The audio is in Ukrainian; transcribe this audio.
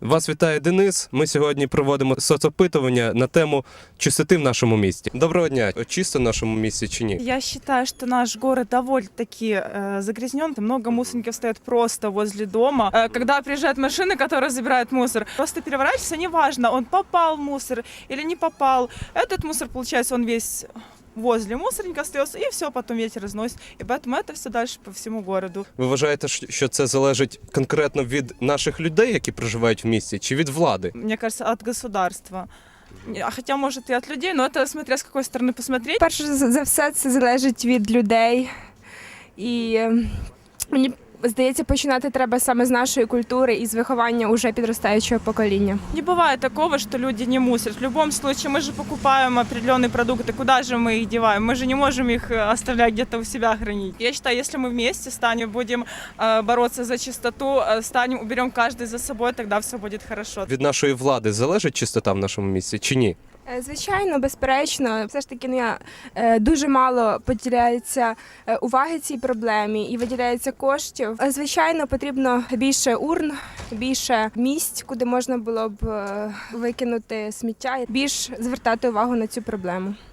Вас вітає Денис. Ми сьогодні проводимо соцопитування на тему чистоти в нашому місті. Доброго дня. Чисто в нашому місті чи ні? Я считаю, что наш город довольно-таки загрязнен. Много мусорников стоят просто возле дома. Когда приезжают машины, которые забирают мусор, просто переворачивается, неважно, он попал в мусор или не попал. Этот мусор, получается, он весь возле мусорника остается, и все, потом ветер разносит. И поэтому это все дальше по всему городу. Ви вважаєте, що це залежить конкретно від наших людей, які проживають в місті, чи від влади? Мне кажется, от государства. Хотя, может, и от людей, но это смотря с какой стороны посмотреть. Перш за все, це залежить від людей. І мені здається, починати треба саме з нашої культури і з виховання уже підростаючого покоління. Не бывает такого, что люди не мусорят. В любом случае, мы же покупаем определенные продукты. Куда же мы их деваем? Мы же не можем их оставлять где-то у себя хранить. Я считаю, если мы вместе станем, будем бороться за чистоту, уберем каждый за собой, тогда все будет хорошо. Від нашої влади залежить чистота в нашому місті чи ні? Звичайно, безперечно, все ж таки дуже мало поділяється уваги цій проблемі і виділяється коштів. Звичайно, потрібно більше урн, більше місць, куди можна було б викинути сміття, більш звертати увагу на цю проблему.